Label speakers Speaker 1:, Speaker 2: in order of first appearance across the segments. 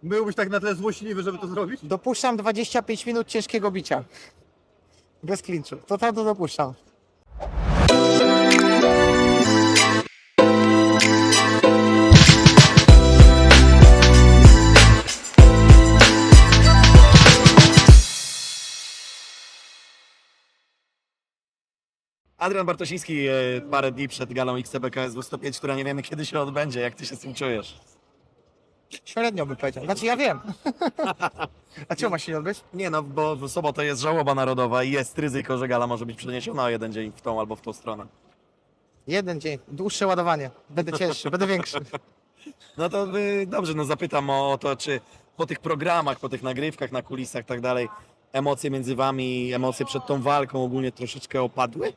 Speaker 1: Byłbyś tak na tyle złośliwy, żeby to zrobić?
Speaker 2: Dopuszczam 25 minut ciężkiego bicia. Bez klinczu. To dopuszczam.
Speaker 3: Adrian Bartosiński parę dni przed galą XCBKSW 105, która nie wiemy kiedy się odbędzie. Jak ty się z tym czujesz?
Speaker 2: Średnio bym powiedział. Znaczy ja wiem. A czemu ma się nie odbyć?
Speaker 3: Nie no, bo w sobotę jest żałoba narodowa i jest ryzyko, że gala może być przeniesiona o jeden dzień w tą albo w tą stronę.
Speaker 2: Jeden dzień. Dłuższe ładowanie. Będę cięższy, będę większy.
Speaker 3: No to dobrze, no zapytam o to, czy po tych programach, po tych nagrywkach, na kulisach i tak dalej, emocje między wami, emocje przed tą walką ogólnie troszeczkę opadły?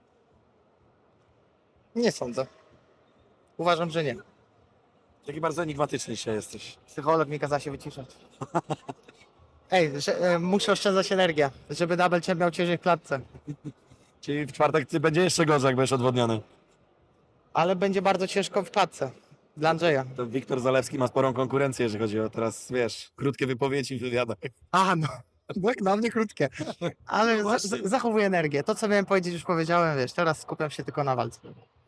Speaker 2: Nie sądzę. Uważam, że nie.
Speaker 3: Taki bardzo enigmatyczny dzisiaj jesteś.
Speaker 2: Psycholog mi kazał się wyciszać. Ej, muszę oszczędzać energię, żeby double champ miał ciężej w klatce.
Speaker 3: Czyli w czwartek ty będzie jeszcze gorzej, jak będziesz odwodniony.
Speaker 2: Ale będzie bardzo ciężko w klatce. Dla Andrzeja.
Speaker 3: To Wiktor Zalewski ma sporą konkurencję, jeżeli chodzi o teraz, wiesz, krótkie wypowiedzi w wywiadach.
Speaker 2: A, no. Tak, na mnie krótkie. Ale zachowuję energię. To, co miałem powiedzieć, już powiedziałem, wiesz, teraz skupiam się tylko na walce.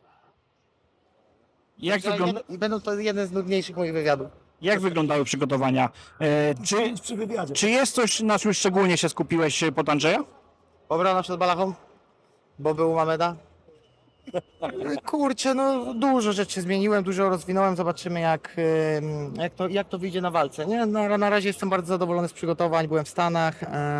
Speaker 2: Będą to jeden z nudniejszych moich wywiadów.
Speaker 4: Jak wyglądały przygotowania? Czy jest coś, na czym szczególnie się skupiłeś pod Andrzeja?
Speaker 2: Obrona przed balachą, bo był u Mameda. Kurczę, no dużo rzeczy zmieniłem, dużo rozwinąłem. Zobaczymy jak to wyjdzie na walce. Nie? Na razie jestem bardzo zadowolony z przygotowań. Byłem w Stanach.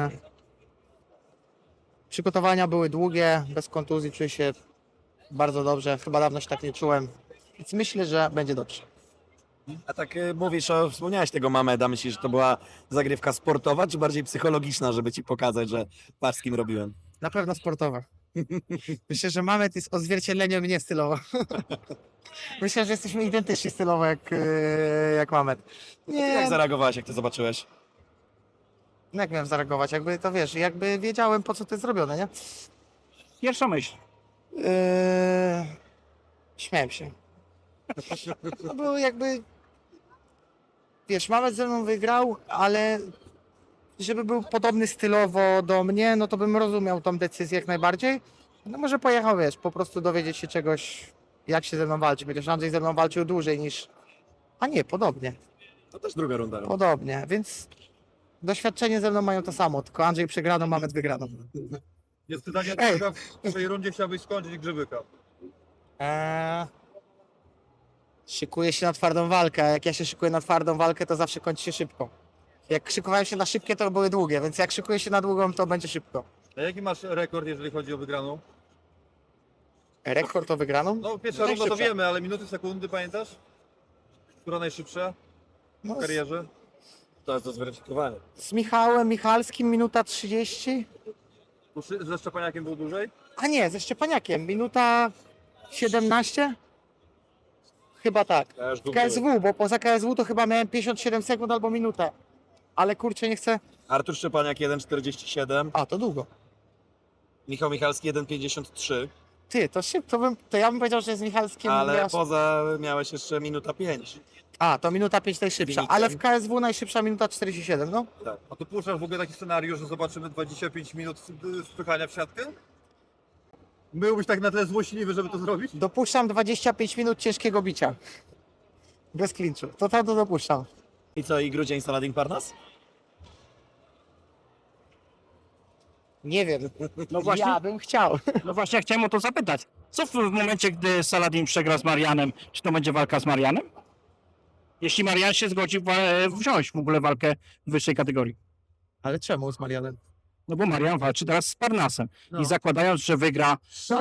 Speaker 2: Przygotowania były długie, bez kontuzji, czuję się bardzo dobrze. Chyba dawno się tak nie czułem. Więc myślę, że będzie dobrze.
Speaker 3: A tak wspomniałeś tego Mameda, myślisz, że to była zagrywka sportowa, czy bardziej psychologiczna, żeby ci pokazać, że patrz z kim robiłem?
Speaker 2: Na pewno sportowa. Myślę, że Mamed jest odzwierciedleniem mnie stylowo. Myślę, że jesteśmy identyczni stylowo jak Mamed.
Speaker 3: Jak zareagowałeś, jak to zobaczyłeś?
Speaker 2: Jak miałem zareagować? Jakby to wiesz, jakby wiedziałem po co to jest zrobione, nie?
Speaker 4: Pierwsza myśl.
Speaker 2: Śmiałem się. No bo jakby wiesz, Mamed ze mną wygrał, ale żeby był podobny stylowo do mnie, no to bym rozumiał tą decyzję jak najbardziej. No może pojechał, wiesz, po prostu dowiedzieć się czegoś, jak się ze mną walczy. Chociaż Andrzej ze mną walczył dłużej niż... A nie, podobnie.
Speaker 3: To też druga runda.
Speaker 2: Podobnie, więc doświadczenie ze mną mają to samo, tylko Andrzej przegraną, Mamed wygraną.
Speaker 1: Jest pytanie,
Speaker 2: Ej.
Speaker 1: w tej rundzie chciałbyś skończyć Grzybyka.
Speaker 2: Szykuję się na twardą walkę, a jak ja się szykuję na twardą walkę, to zawsze kończy się szybko. Jak szykowałem się na szybkie, to były długie, więc jak szykuję się na długą, to będzie szybko.
Speaker 1: A jaki masz rekord, jeżeli chodzi o wygraną?
Speaker 2: Rekord o wygraną?
Speaker 1: No pierwsza runda to
Speaker 2: Najszybsza.
Speaker 1: wiemy, ale minuty, sekundy pamiętasz? Która najszybsza
Speaker 2: No,
Speaker 1: w karierze?
Speaker 3: To jest do zweryfikowania.
Speaker 2: z Michałem Michalskim minuta 30.
Speaker 1: Ze Szczepaniakiem był dłużej?
Speaker 2: A nie, ze Szczepaniakiem minuta 17? Chyba tak.
Speaker 3: Ja już
Speaker 2: W KSW, bo poza KSW to chyba miałem 57 sekund albo minutę. Ale kurczę, nie chcę...
Speaker 3: Artur Szczepaniak 1,47,
Speaker 2: A, to długo.
Speaker 3: Michał Michalski 1,53,
Speaker 2: Ty, to szybko, to ja bym powiedział, że z Michalskim...
Speaker 3: ale
Speaker 2: miał-
Speaker 3: poza miałeś jeszcze minuta 5.
Speaker 2: A, to minuta 5 najszybsza,
Speaker 3: Wynikiem.
Speaker 2: ale w KSW najszybsza minuta 47, no.
Speaker 1: A tu puszczasz w ogóle taki scenariusz, że zobaczymy 25 minut wpychania w siatkę? Byłbyś tak na tyle złośliwy, żeby to zrobić?
Speaker 2: Dopuszczam 25 minut ciężkiego bicia. Bez klinczu. To dopuszczam.
Speaker 3: I co, i Grudzień Saladin Parnas?
Speaker 2: Nie wiem.
Speaker 4: No właśnie,
Speaker 2: Ja bym chciał.
Speaker 4: no właśnie chciałem o to zapytać. Co w momencie, gdy Saladin przegra z Marianem, czy to będzie walka z Marianem? Jeśli Marian się zgodzi wziąć w ogóle walkę w wyższej kategorii.
Speaker 2: Ale czemu z Marianem?
Speaker 4: No bo Marian walczy teraz z Parnasem.
Speaker 2: No.
Speaker 4: I zakładając, że wygra,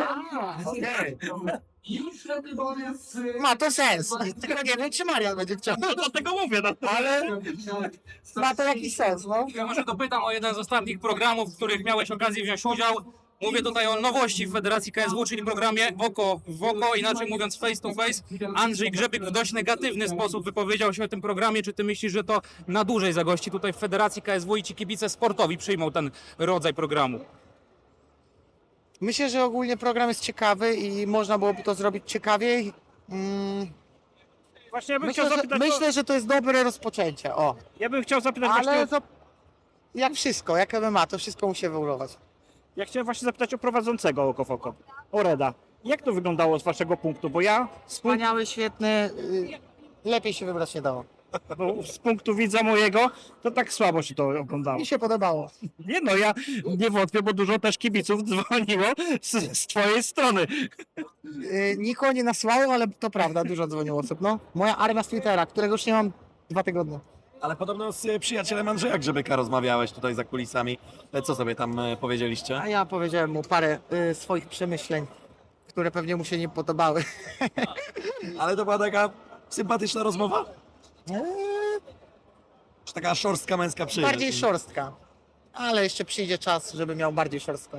Speaker 2: Ma to sens. Tylko nie wiem, czy Marian będzie chciał.
Speaker 4: dlatego mówię,
Speaker 2: Ale ma to jakiś sens, no.
Speaker 5: Ja może dopytam o jeden z ostatnich programów, w których miałeś okazję wziąć udział. Mówię tutaj o nowości w Federacji KSW, czyli programie Oko w Oko, inaczej mówiąc face to face. Andrzej Grzebyk w dość negatywny sposób wypowiedział się o tym programie. Czy ty myślisz, że to na dłużej zagości tutaj w Federacji KSW i ci kibice sportowi przyjmą ten rodzaj programu?
Speaker 2: Myślę, że ogólnie program jest ciekawy i można byłoby to zrobić ciekawiej.
Speaker 4: Właśnie ja bym chciał zapytać,
Speaker 2: Myślę, że to jest dobre rozpoczęcie, o.
Speaker 4: ja bym chciał zapytać
Speaker 2: Ale
Speaker 4: właśnie,
Speaker 2: to jak wszystko, jak MMA, to wszystko musi ewoluować.
Speaker 4: ja chciałem właśnie zapytać o prowadzącego Oko w Oko, o Reda. Jak to wyglądało z waszego punktu? Bo ja
Speaker 2: Wspaniały, świetny, lepiej się wybrać nie dało.
Speaker 4: z punktu widza mojego, to tak słabo się to oglądało.
Speaker 2: Mi się podobało.
Speaker 4: Nie no, ja nie wątpię, bo dużo też kibiców dzwoniło z twojej strony.
Speaker 2: Nikogo nie nasłałem, ale to prawda, dużo dzwoniło osób, no. Moja armia z Twittera, którego już nie mam 2 tygodnie.
Speaker 3: Ale podobno z przyjacielem Andrzeja Grzebyka rozmawiałeś tutaj za kulisami. Co sobie tam powiedzieliście?
Speaker 2: A ja powiedziałem mu parę swoich przemyśleń, które pewnie mu się nie podobały.
Speaker 3: Ale to była taka sympatyczna rozmowa?
Speaker 2: Eee,
Speaker 3: Czy taka szorstka męska przyjaźń?
Speaker 2: bardziej szorstka. Ale jeszcze przyjdzie czas, żeby miał bardziej szorstką.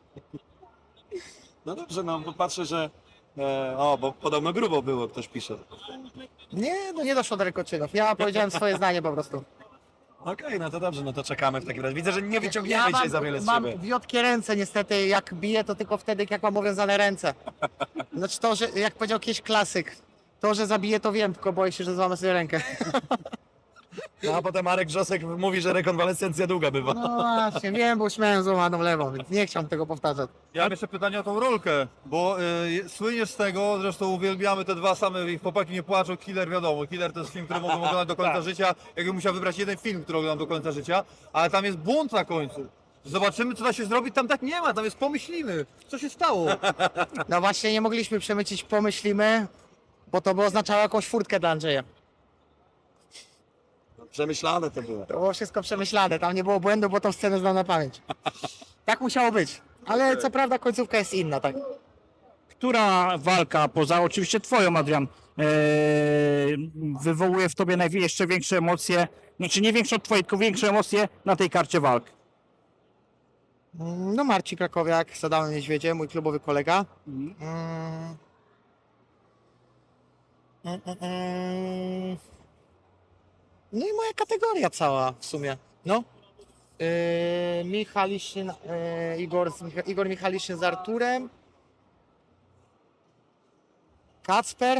Speaker 3: No dobrze, no bo patrzę, że... bo podobno grubo było, ktoś pisze.
Speaker 2: Nie, no nie doszło do rękoczynów. Ja powiedziałem swoje zdanie po prostu.
Speaker 3: Okej, no to dobrze, no to czekamy w takim razie. Widzę, że nie wyciągniemy dzisiaj za wiele z
Speaker 2: mam
Speaker 3: siebie.
Speaker 2: wiotkie ręce niestety, jak biję to tylko wtedy, jak mam owiązane ręce. Znaczy to, że jak powiedział kiedyś klasyk, to, że zabiję to wiem, tylko boję się, że złamę sobie rękę.
Speaker 3: No a potem Marek Wrzosek mówi, że rekonwalescencja długa bywa.
Speaker 2: No właśnie, wiem, bo już miałem złamaną lewą, więc nie chciałem tego powtarzać.
Speaker 1: Ja mam jeszcze pytanie o tą rolkę, bo słyniesz z tego, zresztą uwielbiamy te dwa same, chłopaki nie płaczą, Killer wiadomo, Killer to jest film, który mogę oglądać do końca życia, jakbym musiał wybrać jeden film, który oglądam do końca życia, ale tam jest bunt na końcu. Zobaczymy, co da się zrobić, tam tak nie ma, tam jest pomyślimy, co się stało.
Speaker 2: No właśnie, nie mogliśmy przemycić pomyślimy, bo to by oznaczało jakąś furtkę dla Andrzeja.
Speaker 3: Przemyślane to było.
Speaker 2: To było wszystko przemyślane, tam nie było błędu, bo tą scenę znam na pamięć. Tak musiało być. Ale co prawda końcówka jest inna, tak.
Speaker 4: Która walka, poza oczywiście twoją, Adrian, wywołuje w tobie jeszcze większe emocje, znaczy nie większe od twojej, tylko większe emocje na tej karcie walk?
Speaker 2: No Marcin Krakowiak z Adamem Niedźwiedziem, mój klubowy kolega. No i moja kategoria cała w sumie. No. Michaliszyn, Igor Michaliszyn z Arturem. Kacper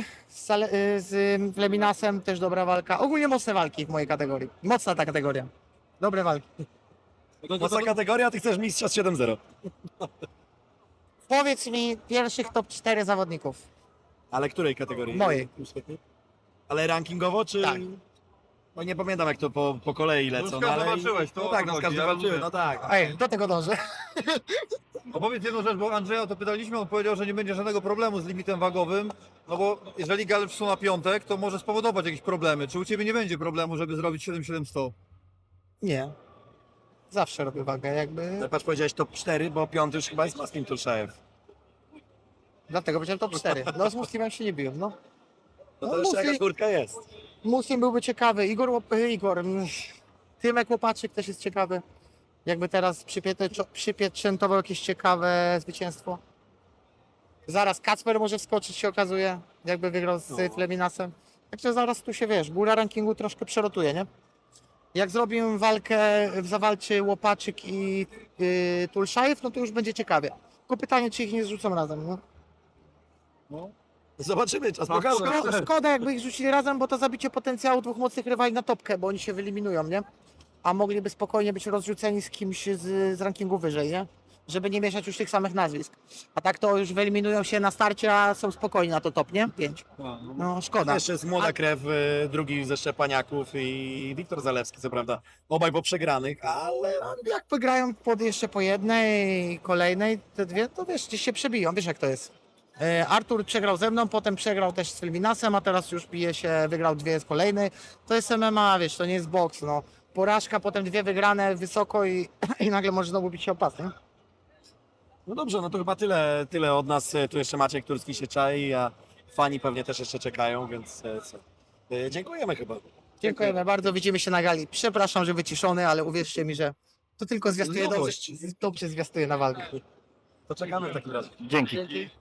Speaker 2: z Leminasem, też dobra walka. Ogólnie mocne walki w mojej kategorii. Mocna ta kategoria. Dobre walki.
Speaker 3: Mocna kategoria, ty chcesz mistrza z 7-0.
Speaker 2: Powiedz mi pierwszych top 4 zawodników.
Speaker 3: Ale której kategorii?
Speaker 2: Mojej.
Speaker 3: Ale rankingowo, czy...
Speaker 2: Tak.
Speaker 3: No nie pamiętam jak to po kolei lecą,
Speaker 1: No,
Speaker 3: no, ale...
Speaker 1: walczyłeś, to
Speaker 3: no
Speaker 1: o
Speaker 3: tak,
Speaker 1: to
Speaker 3: no z
Speaker 1: chodzi,
Speaker 3: każdym
Speaker 1: ja
Speaker 3: walczyły,
Speaker 1: mówię.
Speaker 3: no tak.
Speaker 2: Ej, do tego dążę.
Speaker 1: Opowiedz jedną rzecz, bo Andrzeja o to pytaliśmy, on powiedział, że nie będzie żadnego problemu z limitem wagowym, no bo jeżeli gal wszedł na piątek, to może spowodować jakieś problemy. Czy u Ciebie nie będzie problemu, żeby zrobić 7700?
Speaker 2: Nie. Zawsze robię wagę, jakby.
Speaker 3: Ale patrz, powiedziałeś top 4, bo piąty już chyba jest Maskim Tulszajew.
Speaker 2: Dlatego powiedziałem top 4. No z Muslimem się nie biłem, no.
Speaker 3: No
Speaker 2: No,
Speaker 3: to jeszcze jakaś
Speaker 2: Muslim,
Speaker 3: furtka jest.
Speaker 2: Muslim byłby ciekawy. Tymek Łopaczyk też jest ciekawy. Jakby teraz przypieczętował jakieś ciekawe zwycięstwo. Zaraz Kacper może wskoczyć, się okazuje, jakby wygrał z Leminasem. Także zaraz tu się, wiesz, góra rankingu troszkę przerotuje, nie? Jak zrobimy walkę, zawalczy Łopaczyk i Tulszajew, no to już będzie ciekawie. Tylko pytanie, czy ich nie zrzucą razem, no?
Speaker 3: Zobaczymy, czas
Speaker 1: Tak,
Speaker 3: pokaże.
Speaker 2: Szkoda, jakby ich rzucili razem, bo to zabicie potencjału dwóch mocnych rywali na topkę, bo oni się wyeliminują, nie? A mogliby spokojnie być rozrzuceni z kimś z rankingu wyżej, nie? Żeby nie mieszać już tych samych nazwisk. A tak to już wyeliminują się na starcie, a są spokojni na to top, nie? 5. No szkoda.
Speaker 3: Jeszcze jest młoda krew, drugi ze Szczepaniaków i Wiktor Zalewski, co prawda. Obaj po przegranych, ale...
Speaker 2: Jak wygrają jeszcze po jednej, kolejnej, te dwie, to wiesz, gdzieś się przebiją, wiesz jak to jest. Artur przegrał ze mną, potem przegrał też z Leminasem, a teraz już bije się, wygrał 2 z kolejnej. To jest MMA, wiesz, to nie jest boks, no. Porażka, potem 2 wygrane wysoko i nagle może znowu bić się o pas, nie?
Speaker 3: No dobrze, no to chyba tyle od nas. Tu jeszcze Maciek Turski się czai, a fani pewnie też jeszcze czekają, więc co? Dziękujemy chyba.
Speaker 2: Dziękujemy bardzo, widzimy się na gali. Przepraszam, że wyciszony, ale uwierzcie mi, że to tylko zwiastuje
Speaker 3: Nowość.
Speaker 2: dobrze zwiastuje na walkę.
Speaker 3: To czekamy w takim razie.
Speaker 4: Dzięki.
Speaker 2: Dzięki.